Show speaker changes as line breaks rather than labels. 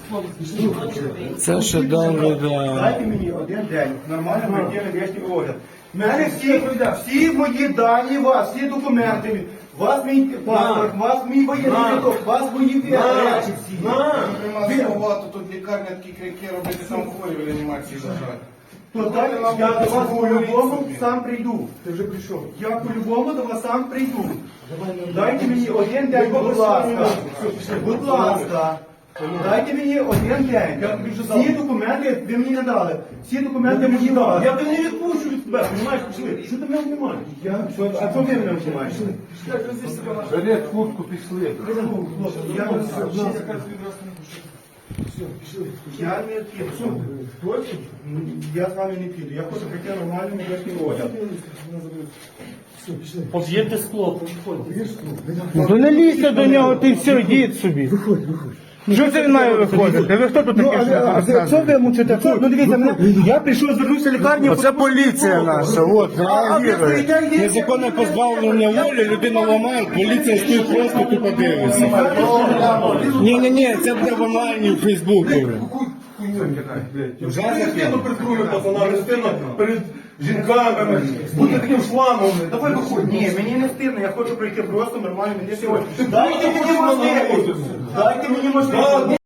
Це ще добре, да.
Дайте мені один день, нормально пройти медичний огляд. У мене всі мої дані, у вас, всі документи, у вас мій паспорт, у вас мій воєнний квиток, у вас мої речі всі.
Багато тут лікарня такі крики робити, там хворі в реанімації лежать.
То так, я до вас по-любому сам прийду. Ти вже прийшов. Я по-любому до вас сам прийду. Дайте мені один день, будь ласка. Будь ласка. Дайте мені один день. Всі документи ви мені надали. Всі документи мені дали.
Я тебе не відпущу від тебе, розумієш, пішли. Що ти мене знімаєш?
А що ви мене знімаєте?
Бери куртку, пішли.
Я не піду. Точно? Я з вами не піду. Я хочу прийти нормальний медичний огляд.
Под'єдьте скло, виходьте.
Ну не лізьте до нього, ти все, йдіть собі. Виходь. Що це він має виходити? Ви хто тут такий?
Що ви мучите? Ну дивіться, мене, я прийшов, звернувся в лікарню.
Оце поліція наша, от, реагує.
стоїте,
Незаконне позбавлення волі, людину ламають, поліція стоїть просто тупо дивиться. Ні, це буде в онлайні в Фейсбуку.
Вже не стидно перед другими пацанами, не стидно перед жінками, бути таким шламом. Давай виходь.
Ні, мені не стидно, я хочу пройти просто нормально медичний огляд. Дайте мені можливість. Дайте мені можливість.